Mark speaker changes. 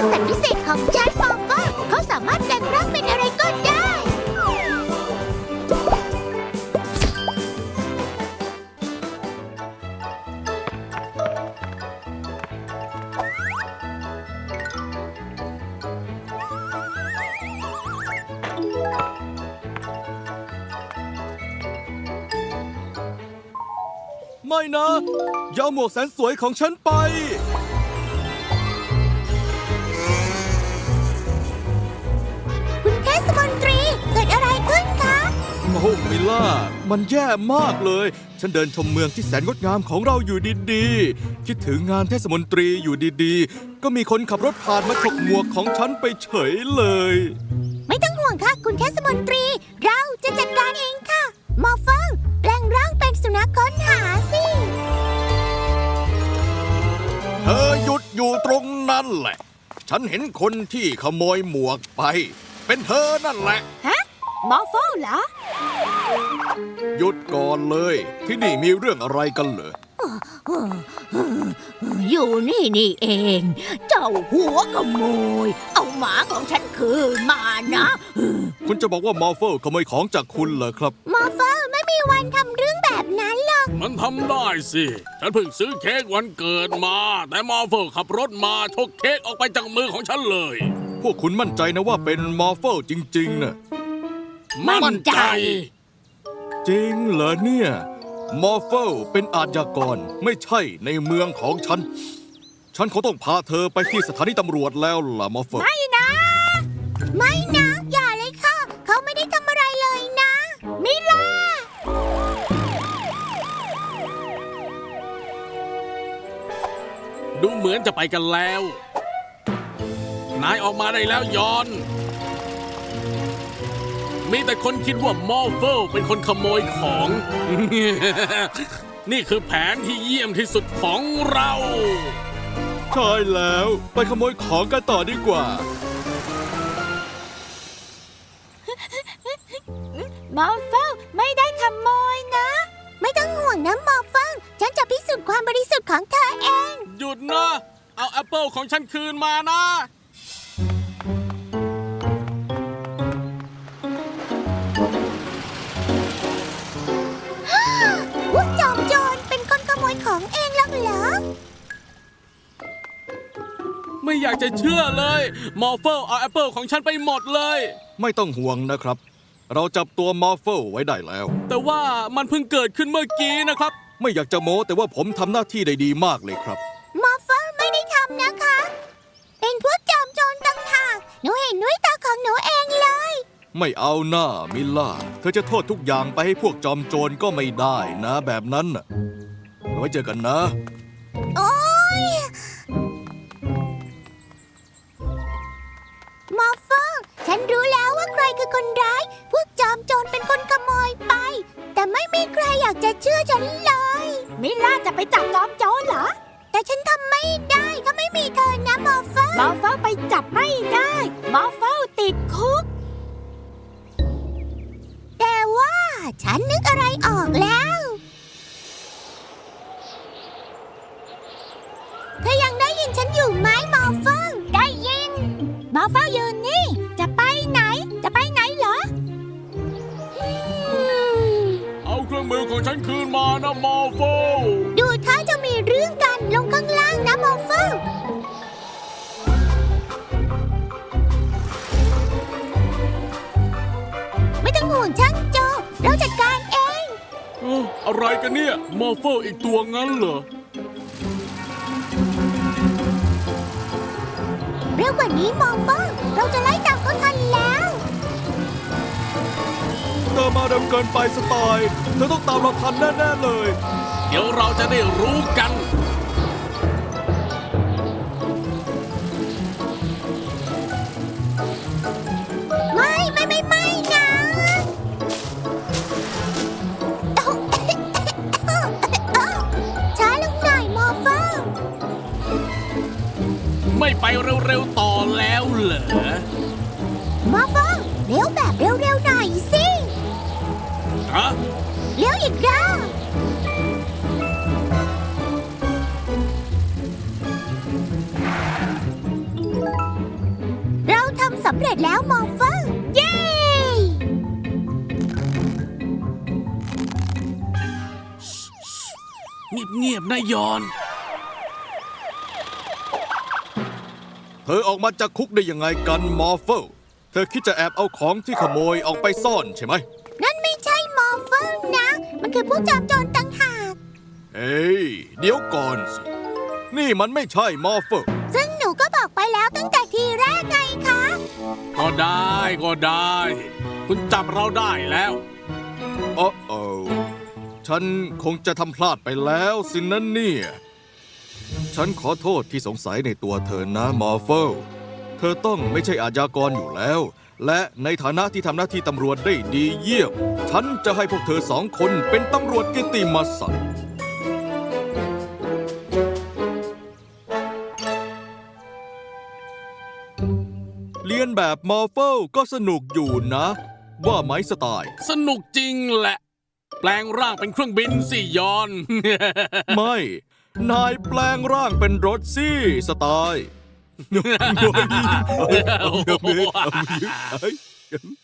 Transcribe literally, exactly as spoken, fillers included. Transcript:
Speaker 1: คือสัตว์พิเศษของฉันมอร์ฟเขาสามารถแปลงร่างเป็นอะไรก็ได้
Speaker 2: ไม่นะอย่าเอาหมวกแสนสวยของฉันไป
Speaker 1: คุณเทศมนตรีเกิดอะไรขึ้นคะ
Speaker 2: โอ้มิล่ามันแย่มากเลยฉันเดินชมเมืองที่แสนงดงามของเราอยู่ดีๆคิดถึงงานเทศมนตรีอยู่ดีๆก็มีคนขับรถผ่านมาฉกหมวกของฉันไปเฉยเลย
Speaker 1: ไม่ต้องห่วงค่ะคุณเทศมนตรีเราจะจัดการเองค่ะมอร์ฟแปลงร่างเป็นสุนัขค้นหาสิ
Speaker 2: เธอหยุดอยู่ตรงนั้นแหละฉันเห็นคนที่ขโมยหมวกไปเป็นเธอนั่นแหละ
Speaker 1: ฮะมอร์ฟเหรอ
Speaker 2: หยุดก่อนเลยที่นี่มีเรื่องอะไรกันเหรอ
Speaker 1: อยู่นี่นี่เองเจ้าหัวขโมยเอาหมาของฉันคืนมานะ
Speaker 2: คุณจะบอกว่ามอร์เฟลขโมยของจากคุณเหรอครับ
Speaker 1: มอร์เฟลไม่มีวันทำเรื่องแบบนั้นหรอก
Speaker 3: มันทำได้สิฉันเพิ่งซื้อเค้กวันเกิดมาแต่มอร์เฟลขับรถมาฉกเค้กออกไปจากมือของฉันเลย
Speaker 2: พวกคุณมั่นใจนะว่าเป็นมอร์เฟลจริงๆนะ
Speaker 3: มั่นใจ
Speaker 2: จริงเหรอเนี่ยมอร์เฟลเป็นอาชญากรไม่ใช่ในเมืองของฉันฉันคงต้องพาเธอไปที่สถานีตำรวจแล้วล่ะมอร์เฟล
Speaker 1: ไม่นะไม่นะอย่าเลยค่ะเขาไม่ได้ทำอะไรเลยนะมิล่า
Speaker 3: ดูเหมือนจะไปกันแล้วนายออกมาได้แล้วยอนมีแต่คนคิดว่ามอร์เฟลเป็นคนขโมยของ นี่คือแผนที่เยี่ยมที่สุดของเรา
Speaker 2: ใช่แล้วไปขโมยของกันต่อดีกว่
Speaker 1: ามอร์เฟลไม่ได้ขโมยนะไม่ต้องห่วงนะมอร์เฟลฉันจะพิสูจน์ความบริสุทธิ์ของเธอเอง
Speaker 3: หยุดนะเอาแอปเปิลของฉันคืนมานะ
Speaker 1: พวกจอมโจรเป็นคนขโมยของเองแล้วเหรอ
Speaker 3: ไม่อยากจะเชื่อเลยมอร์เฟลเอาแอปเปิลของฉันไปหมดเลย
Speaker 2: ไม่ต้องห่วงนะครับเราจับตัวมอร์เฟลไว้ได้แล้ว
Speaker 3: แต่ว่ามันเพิ่งเกิดขึ้นเมื่อกี้นะครับ
Speaker 2: ไม่อยากจะโม้แต่ว่าผมทำหน้าที่ได้ดีมากเลยครับ
Speaker 1: มอร์เฟลไม่ได้ทำนะคะเป็นพวกจอมโจรต่างหากหนูเห็นด้วยตาของหนูเองเลย
Speaker 2: ไม่เอาหน้ามิลล่าเธอจะโทษทุกอย่างไปให้พวกจอมโจรก็ไม่ได้นะแบบนั้นน่ะไว้เจอกันนะ
Speaker 1: โอ๊ยมอร์เฟลฉันรู้แล้วว่าใครคือคนร้ายพวกจอมโจรเป็นคนขโมยไปแต่ไม่มีใครอยากจะเชื่อฉันเลยมิล่าจะไปจับจอมโจรเหรอแต่ฉันทำไม่ได้ถ้าไม่มีเธอนะมอร์เฟลมอร์เฟลไปจับไม่ได้มอร์เฟลติดคุกแต่ว่าฉันนึกอะไรออกแล้วเธอยังได้ยินฉันอยู่ไหมมอร์เฟลได้ยินมอร์เฟลยืนนี่จะไปไหนจะไปไหนเหรอ
Speaker 3: เอาเครื่องมือของฉันคืนมานะมอร์เฟล
Speaker 1: ดูท่าจะมีเรื่องกันลงข้างล่างนะมอร์เฟลไม่ต้องห่วงช่างโจเราจัดการเอง
Speaker 3: เอออะไรกันเนี่ยมอร์เฟลอีกตัวงั้นเหรอ
Speaker 1: เร็วกว่านี้มอร์เฟลเราจะไล่ตามเขาทันแล้ว
Speaker 2: เธอมาเร็วเกินไปสไตล์เธอต้องตามเราทันแน่ๆเลย
Speaker 3: เดี๋ยวเราจะได้รู้กัน
Speaker 1: ไม่ไม่ไม่ไม่นะช้าลงหน่อยมอร์เฟล
Speaker 3: ไม่ไปเร็วๆต่อแล้วเหรอ
Speaker 1: มอร์เฟลเร็วแบบเร็วๆหน่อยสิ
Speaker 3: ฮะ
Speaker 1: เร็วอีกรอบร็จแล้วมอร์เฟอร์เย้
Speaker 3: เงียบๆนะยอน
Speaker 2: เธอออกมาจากคุกได้ยังไงกันมอร์เฟลเธอคิดจะแอบเอาของที่ขโมยออกไปซ่อนใช่ไหม
Speaker 1: นั่นไม่ใช่มอร์เฟอร์นะ มันคือผู้จอมโจรต่างหาก
Speaker 2: เฮ้ยเดี๋ยวก่อนสิ นี่มันไม่ใช่มอร์เฟล
Speaker 1: ซึ่งหนูก็บอกไปแล้วตั้งแต่ทีแรกไงคะ
Speaker 3: ก็ได้ก็ได้ คุณจับเราได้แล้ว
Speaker 2: โอ้โอฉันคงจะทำพลาดไปแล้วสินะเนี่ย ฉันขอโทษที่สงสัยในตัวเธอนะมอร์เฟลเธอต้องไม่ใช่อาชญากรอยู่แล้ว และในฐานะที่ทำหน้าที่ตำรวจได้ดีเยี่ยม ฉันจะให้พวกเธอสองคนเป็นตำรวจเกียรติมศักดิ์เรียนแบบมอร์เฟลก็สนุกอยู่นะ ว่าไหมสไตล์
Speaker 3: สนุกจริงแหละ แปลงร่างเป็นเครื่องบินสิยอน
Speaker 2: ไม่ นายแปลงร่างเป็นรถซี่สไตล์